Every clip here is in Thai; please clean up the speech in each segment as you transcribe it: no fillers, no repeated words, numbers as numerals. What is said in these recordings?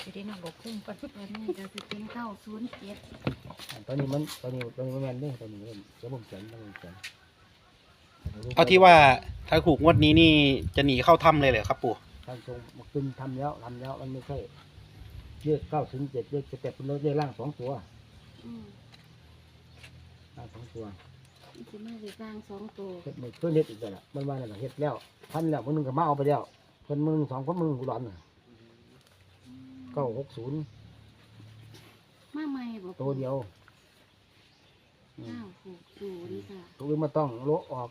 จะได้นำบอกคุ้มกันตัวนี้ก็สิเป็น907 ตอนนี้มันแม่นเด้ตอนนี้เดี๋ยวผมเขียนต้องเขียนเอาที่ว่าถ้าถูกงวดนี้นี่จะหนีเข้าถ้ำเลยเหรอครับปู่ทางตรงมาขึ้นทำแล้วมันไม่ใช่เลข907เลขแต่เป็นเลขล่าง2ตัว ล่าง2ตัวมันสิมาได้สร้าง2ตัวเฮ็ดมือเพิ่นเฮ็ดอีกแล้วล่ะมันว่านั่นล่ะเฮ็ดแล้วพันแล้วมื้อนึงก็มาเอาไปแล้วเพิ่นมื้อนึง2คนมื้อนึงกูร้อนน่ะ960 มาใหม่บ่ตัวเดียว 960ค่ะตัวอื่นมาต้องโละออก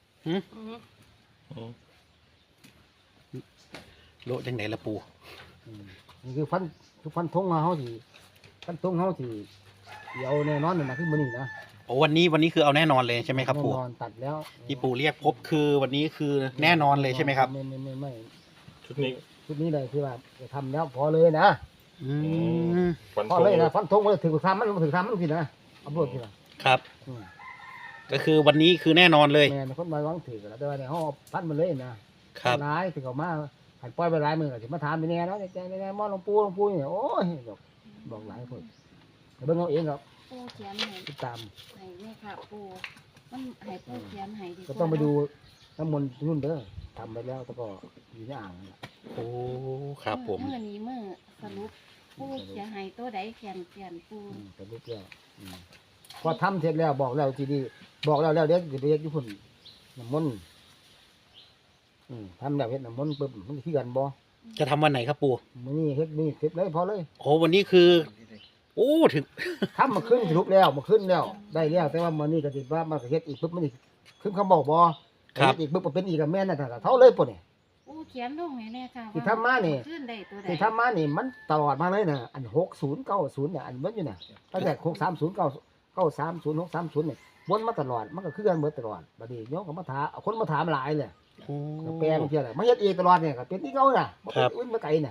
โลจังไหนละปู่นี่คือฟันธงเฮาสิฟันธงเฮาสิเดี๋ยวแน่นอนนั่นน่ะคือมื้อนี้นะโอ้วันนี้คือเอาแน่นอนเลยใช่ไหมครับปู่แน่นอนตัดแล้วที่ปู่เรียกพบคือวันนี้คือแน่นอนเลยใช่ไหมครับไม่ชุดนี้ชุดนี้เลยคือว่าจะทำแล้วพอเลยนะอืมฟันพอธงเลยนะฟันธงว่าถึงทำมันถึงทำมันผิดนะเอาบทผิดนะครับก็คือวันนี้คือแน่นอนเลยแม่คนมาวังถือแล้วแต่ว่าในห้องพันมันเลยนะครับ ร้ายถึงเขามาหันปล่อยไปร้ายมือก็ถึงมาถามไปแน่แล้วใจแน่มอหลวงปู่เนี่ยโอ้ยบอกหลายคนแต่เบิ่งเอาเองครับปูเขียนให้ติดตามให้แม่ค่ะปูมันให้ปูเขียนให้ดีกก็ว่าต้องไปดูน้ำมนต์นุ่นเด้อทำไปแล้วแล้วก็อยู่ในอ่างนั่นแหละโอ้ครับผมมื้อนี้มื้อสรุปปูเขียนให้ตัวใดเขียนปูแต่ลูกแล้วพอทำเสร็จแล้วบอกแล้วทีนี้บอกแล้วเดี๋ยวจะไปเฮ็ดญี่ปุ่นน้ำมนต์ทำแล้วเฮ็ดน้ำมนต์ปุ๊บมันคือกันบ่จะทำวันไหนครับปู่มื้อนี้เฮ็ดนี่เสร็จเลยพอเลยโอ้วันนี้คือ โอ้ถึงทำมาขึ้นสรุปแล้วมาขึ้นแล้วได้แล้วแต่ว่ามื้อนี้ก็สิว่ามาเฮ็ดอีกปุ๊บมันอีกขึ้นคำบอกบ่เฮ็ดอีกปุ๊บก็เป็นอีกกับแม่นนั่นน่ะเท่าเลยปุ่นนี่ปูเขียนลงให้แน่ค่ะที่ทำมานี่ขึ้นได้ตัวใดที่ทำมานี่มันตลอดมาเลยนะอัน6090เนี่ยอันเบิดอยู่น่ะตั้งแต่630 630เนี่ยวนมาตลอดมันก็คือกันเบิดตลอดบัดนี้โยมก็มาถามเอาคนมาถามหลายเลยโอ้ก็แปลงเที่ยแหละมาเฮ็ดเองตลอดเนี่ยก็เป็นที่เก่าน่ะบ่เป็นอื่นบ่ไกลน่ะ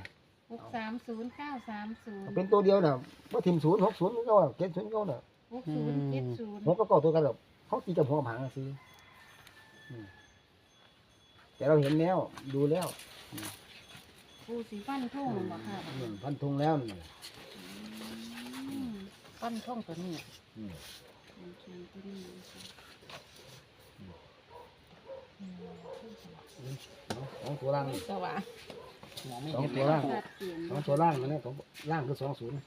630 ก็เป็นตัวเดียวน่ะบ่ทิ่ม0 60เก่าน่ะ70เก่าน่ะ 930 หัวก็เก่าตัวกันหรอกเขาตีกับหัวหางซื้อแต่เราเห็นแล้วดูแล้วปูสีฟันทุ่งบ่ค่ะพันธงแล้วนี่ปั้นท่องตัวนี้เขียนตัวนี้ของตัวล่างสว่างมองไม่สองเห็นตัเลวยคล่ารับงปู่ชัดเจนของตัวล่างอันนี้ของล่างคือ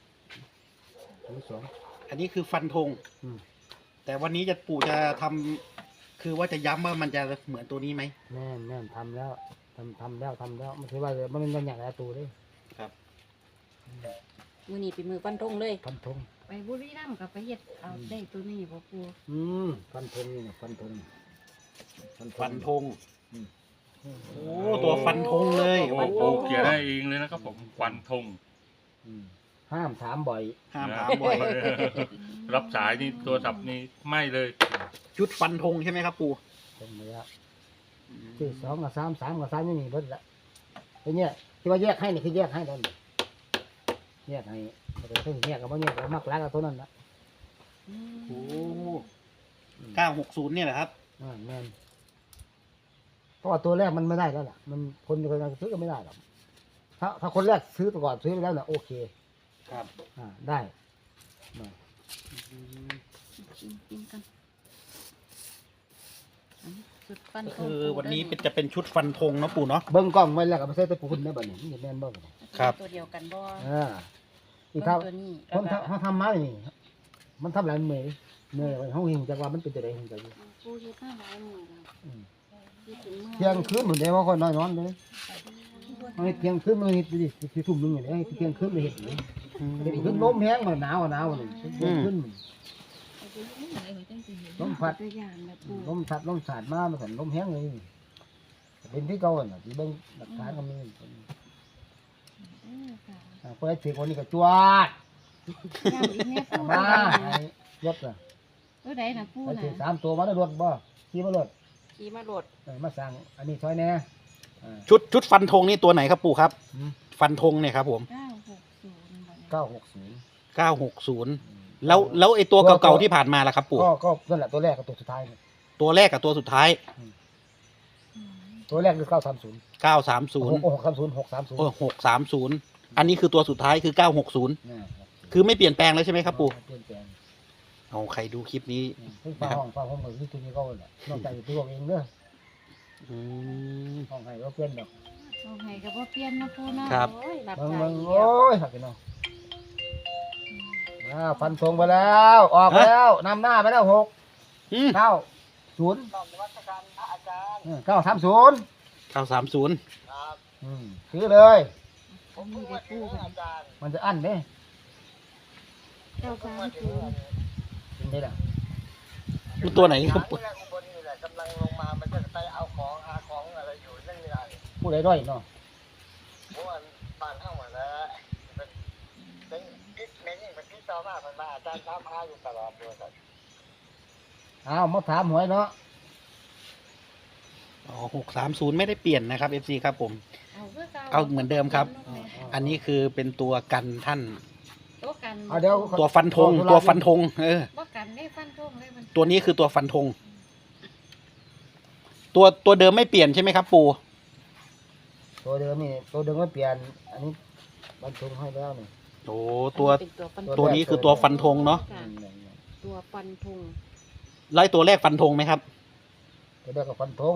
20 อันนี้คือฟันธง แต่วันนี้ปู่จะทำคือว่าจะย้ำว่ามันจะเหมือนตัวนี้ไหมแม่นทำแล้วทำแล้วไม่ใช่ว่ามันเป็นอย่างไรตัวเลยครับมือนี้เป็นมือปั้นท่องเลยพันธงไปบุรีรัมย์กับไปเฮ็ดเอาได้ตัวนี้บ่ปูพันธงนี่นะพันธงฟันธงโอ้ตัวฟันธงเลยโอ้โหเขียนได้เองเลยนะครับผมฟันธงห้ามถามบ่อยห้ามถามบ่อยรับสายนี่ตัวสับนี่ไม่เลยชุดฟันธงใช่ไหมครับปู่ตรงนี้ที่2กับ3 3กับ3นี่เบิดละไอ้เนี่ยที่ว่าแยกให้นี่คือแยกให้ตอนแยกให้แต่ถ้าแยกกับบ่แยกก็มักรักกับตัวนั้นละโอ้960เนี่ยแหละครับแม่นเพราะว่าตัวแรกมันไม่ได้แล้วล่ะมันคนคนนั้นซื้อก็ไม่ได้หรอกถ้าคนแรกซื้อไปก่อนซื้อไปแล้วน่ะโอเคครับได้กินกันสุดปั้นก็ท่องคือวันนี้จะเป็นชุดฟันธงเนาะปู่เนาะเบิ่งกล้องไว้แล้วก็ไม่ใช่ตะปูนได้บัดนี้มันแม่นบ่บัดนี้ครับตัวเดียวกันบ่อีกเบิ่เท่างตัวนี้คนเขาทำมานี่มันทำหลายเมื่อยไว้เฮาเห็นจักว่ามันเป็นจังได๋เห็นจังปูเฮ็ดมาหลายมื้อแล้วที่ถึงมื้อเที่ยงคืนเหมือนได้ว่าคนน้อยนอนเลยเอาให้เที่ยงคืนมันเฮ็ดดิสิทุ่มนึงนี่ให้เที่ยงคืนมันเฮ็ดนี่เดี๋ยวขึ้นลมแห้งมันหนาวนี่เที่ยงคืนลมพัดตัวอย่างแบบปูลมสัดลมสาดมามันสั่นลมแห้งเลยเป็นที่เก่าน่ะสิเบิ่งหลักฐานก็มีค่ะเปิดสิคนนี้ก็จวดย่างอีกแม่ปูมาให้รถน่ะตัวใดน่ะปูไปน่ะถึง3ตัวมาได้รถบ่ขี่มารถขี่มาโหลดมาสั่งอันนี้ซอยแน่ชุดฟันธงนี่ตัวไหนครับปู่ครับอืมฟันธงเนี่ยครับผม 960 960แล้วไอ้ตัวเก่าๆที่ผ่านมาล่ะครับปู่ก็นั่นแหละตัวแรกกับตัวสุดท้ายตัวแรกกับตัวสุดท้ายตัวแรกคือ930 930 630 630 630 อันนี้คือตัวสุดท้ายคือ 960 เนี่ยคือไม่เปลี่ยนแปลงแล้วใช่ไหมครับปู่เปลี่ยนแปลงเอาใครดูคลิปนี้เพิ่งฟ้าห้องเหมือนที่ตัวนี้เขาแหละนอกจากตัวเองเด้ออืมห้องให้ก็เปลี่ยนดอกเอาให้ก็บ่เปลี่ยนนะปูเนาะครับโอ้ยรับเบิ่งสายเบิ่งอีกโอ้แล้วยหักกันเนาะฟันธงไปแล้วออกแล้วนำหน้าไปแล้ว6 อืม 9 0 930 930 ซื้อเลยอันนี้ได้ปูกันมันจะอั้นเด้ 930 เป็นได้ล่ะมันตัวไหนครับปู่ผู้ใดด้อยเนาะอ้าวมาถามหวยเนาะอ๋อ630ไม่ได้เปลี่ยนนะครับ FC ครับผมเอาคือเก่าเอาเหมือนเดิมครับ อันนี้คือเป็นตัวกันท่านตัวกันเอาเดี๋ยวตัวฟันธงตัวฟันธงบ่กันได้ฟันธงเลยมันตัวนี้คือตัวฟันธงตัวเดิมไม่เปลี่ยนใช่ไหมครับ ปู่ตัวเดิมนี่ตัวเดิมไม่เปลี่ยน อันนี้บรรทุกให้แล้วนี่โอ้ตัวเป็นตัวฟันตัวนี้คือตัวฟันธงเนาะค่ะตัวฟันธงไล่ตัวแรกฟันธงไหมครับตัวแรกก็ฟันธง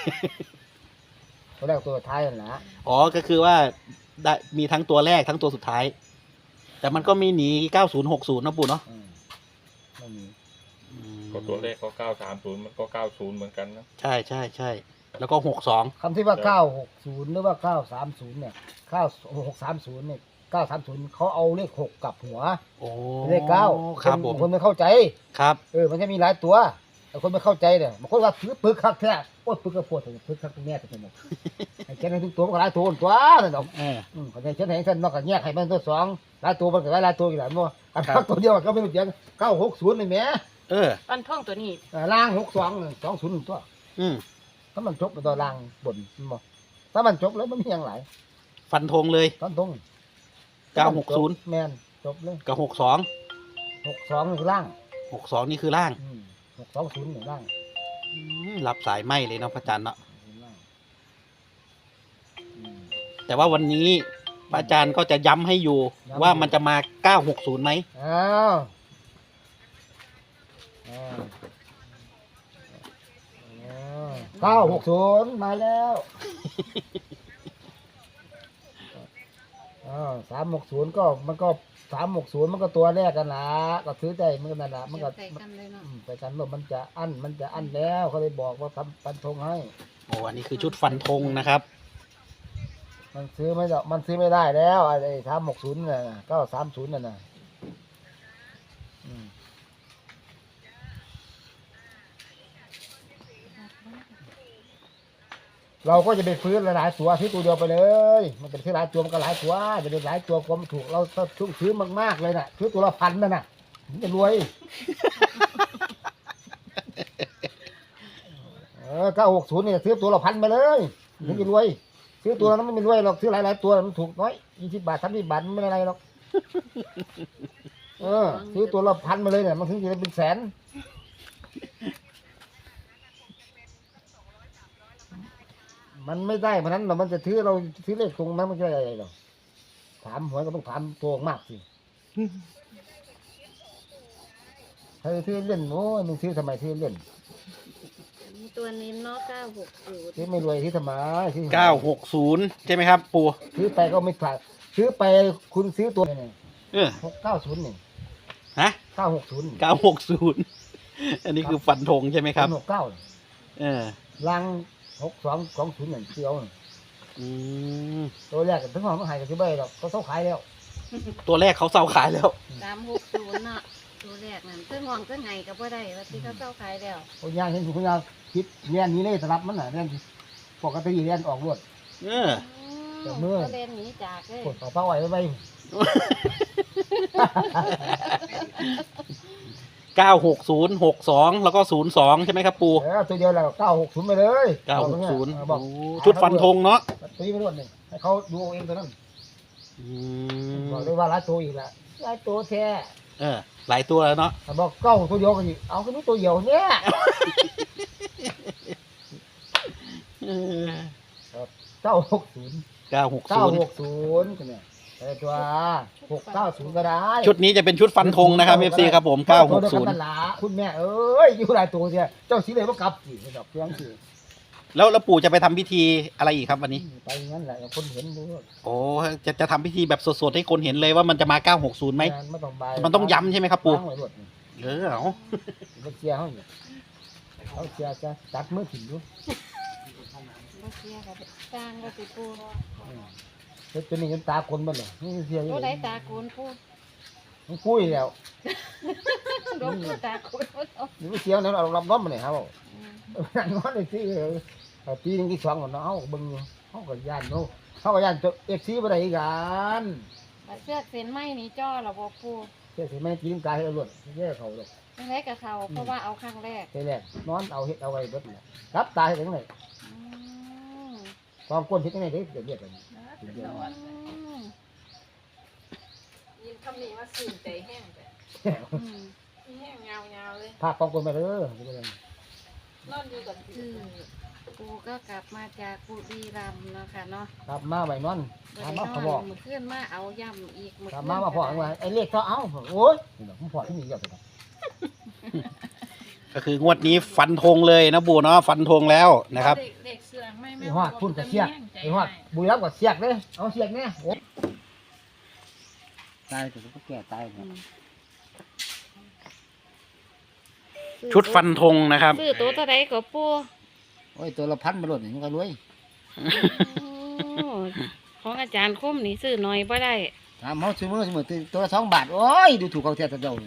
ตัวแรกตัวท้ายนั่นแหละอ๋อก็คือว่าได้มีทั้งตัวแรกทั้งตัวสุดท้าย แต่มันก็มีหนี9060นะปู่เนาะไม่มีก็ตัวเลขก็930มันก็90เหมือนกันนะใช่ใช่ใช่แล้วก็62 คำที่ว่า960หรือว่า930เนี่ย9630เนี่ย930เขาเอาเลข6กลับหัวโอ้เลข9 ครับผมคนไม่เข้าใจครับมันจะมีหลายตัวแต่คนไม่เข้าใจเนี่ยบางคนว่าถือปึกคักแท้โอ้ยปึกกระปวดถึงปึกคักแม่ไปหมดไอ้แค่นั้นทุกตัวมันก็หลายตัวตัวนั่นดอกเออเขาจะเช่นไหนท่านนอกจากแยกให้มันตัวสองหลายตัวมันก็หลายตัวอีกหลายมั้งอันครับตัวเดียวก็ไม่รู้จัก960นี่แหม่เออฟันธงตัวนี้ล่าง62 20ตัวอืมถ้ามันจบไปตัวล่างบนบ่ถ้ามันจบแล้วมันมีอย่างไรฟันธงเลยตอนตรง 960 แม่นจบเลยกับ62 62นี่คือล่าง 62นี่คือล่าง 620นี่ล่างรับสายไหมเลยเนาะพระอาจารย์เนาะล่างอืมแต่ว่าวันนี้พระอาจารย์ก็จะย้ำให้อยู่ย้ำว่ามันจะมา960ไหมอ้าว960มาแล้ว360ก็มันก็360มันก็ตัวแรกกันละก็ซื้อได้มันก็นั่นละมันก็ใส่กันเลยเนาะไปกันว่ามันจะอั้นแล้วเขาเลยบอกว่าทำฟันธงให้โอ้อันนี้คือชุดฟันธงนะครับมันซื้อไม่ได้มันซื้อไม่ได้แล้วไอ้360น่ะ930นั่นน่ะอืมเราก็จะไปฟื้นหลายๆตัวซื้อตัวเดียวไปเลย มันจะซื้อหลายตัวมันก็หลายตัวจะเป็นหลายตัวความนถูกเราถ้าซื้อมากๆเลยน่ะซื้อตัวละ1,000นั่นน่ะมันจะรวย960เนี่ยซื้อตัวละ1,000ไปเลยถึงจะรวยซื้อตัวนั้นไม่รวยหรอกซื้อหลายๆตัวมันถูกน้อย20 บาท30 บาทมันไม่อะไรหรอกซื้อตัวละ1,000มาเลยเนี่ยมันถึงจะเป็นแสนมันไม่ได้เพราะนั้นเรามันจะซื้อเราซื้อเลขตรงนั้นมันจะอะไรหรอกถามหวยก็ต้องถามตัวมากสิถ้าซื้อเล่นโอ้ยมึงซื้อทำไมซื้อเล่นมีตัวนี้เนาะ960 ซื้อไม่รวยซื้อทำไมซื้อ 960ใช่ไหมครับ ปู่ซื้อไปก็ไม่ขาดซื้อไปคุณซื้อตัวเนี่ยเออ 690นี่ฮะ 960 960อันนี้คือฟันธงใช่ไหมครับ 69 เออลัง6220นั่นเสียวน่ะอืมตัวแรกถึงห้องมันหายก็สิบ่ได้ดอกเขาขายแล้วตัวแรกเขาเซาขายแล้ว 360เนาะตัวแรกนั่นซึ่งห้องซึ่งไห้ก็บ่ได้ว่าที่เขาเจ้าขายแล้วคนย่างเห็นคนย่างคิดเรียนนี้เลยสลับมันน่ะเรียนปกติเรียนออกรวดเออแต่เมื่อก็เล่นหนีจากเลยกดเอาเป้าไว้ไว้ 96062แล้วก็02ใช่ไหมครับ ปู่ตัวเดียวแล้ว960ไปเลย 960 บอกโอ้ชุดฟันธงเนาะตีไปรวดนี่ให้เขาดูเอาเองตัวนั้นอืบอกมเลยว่าหลายตัวอีกละหลายตัวแท้เออหลายตัวแล้วเนาะถ้าบอก9ตัวเดียวก็สิเอาก็มีตัวเดียวเนี่ยเออ 960 960 960กันเนี่ยตัว690ก็ได้ชุดนี้จะเป็นชุดฟันธงนะครับ FC ครับผมตัวเดียวกันนั่นล่ะคุณแม่เอ้ยอยู่หลายตัวเสียเจ้าสิเลยบ่กลับสิดอกเพียงสิแล้วปู่จะไปทำพิธีอะไรอีกครับวันนี้ไปงั้นแหละคนเห็นดูโอ้จะทำพิธีแบบสดๆให้คนเห็นเลยว่ามันจะมา 960ไหมไม่ต้องบายมันต้องย้ำใช่ไหมครับปู่วางไว้รถนี่เอาบ่เสียเฮานี่เขาเสียจะตัดมือถิ่นดูบ่เสียกับสร้างก็สิปูเฮ็ดจนนี่จนตาคนเบ่เลยนี่เสียอยู่ตัวใดตาโกนปูมันคุยแล้วดมตัวตาโกนบ่เอานี่เสียแล้วเรารับน้อมมาเนี่ยครับนั่นว่าได้สิปีนึงที่2ก่อนเนาะเฮาเบิ่งอยู่เฮาก็ย่านเนาะเฮาก็ย่านตัว FC บ่ได้กันบัดเสื้อเส้นไหมนี่จ้อแล้วบ่ปูเฮ็ดสิแม่กินกายให้รถแย่เขาดอกจังไดกับเขาเพราะว่าเอาครั้งแรกแต่แรกนอนเอาเฮ็ดเอาไว้เบิดน่ะรับตายจังได๋อืมความก้นเฮ็ดจังได๋เด้เรียกกันยินคำนี้ว่าสื่นใจแห้งแต่อืมแห้งยาวๆเลยพาความก้นมาเด้อนอนอยู่กับคือปูก็กลับมาจากบุรีรัมย์เนาะค่ะเนาะครับมาไว้นอนบ่ถามได้มาน เขาอนบอกมื้อคืนมาเอาย่ำอีกมื้อถามคืนมาว่าพ่อว่าไอ้เลขก็เอาโอ้ยนี่ดอกผมพ่อที่นี่เยอะไปก็คืองวดนี้ฟันธงเลยนะปู่เนาะฟันธงแล้วนะครับเด็กเสือไม่ไอ้ฮอดพุ่นกับเสียกไอ้ฮอดบุรีรัมย์กับเสียกเด้เอาเสียกแน่โอ้ตายก็ต้องแก่ตายอืมชุดฟันธงนะครับซื้อตัวเท่าใดก็ปูโอ้ยตัวละพันมาโลดนี่มันก็รวยโอ้ของอาจารย์คมนี่ซื้อน้อยบ่ได้ถามเฮาซื้อมื้อตัวละ2 บาทโอ้ยดูถูกเขาแท้ซะเจ้า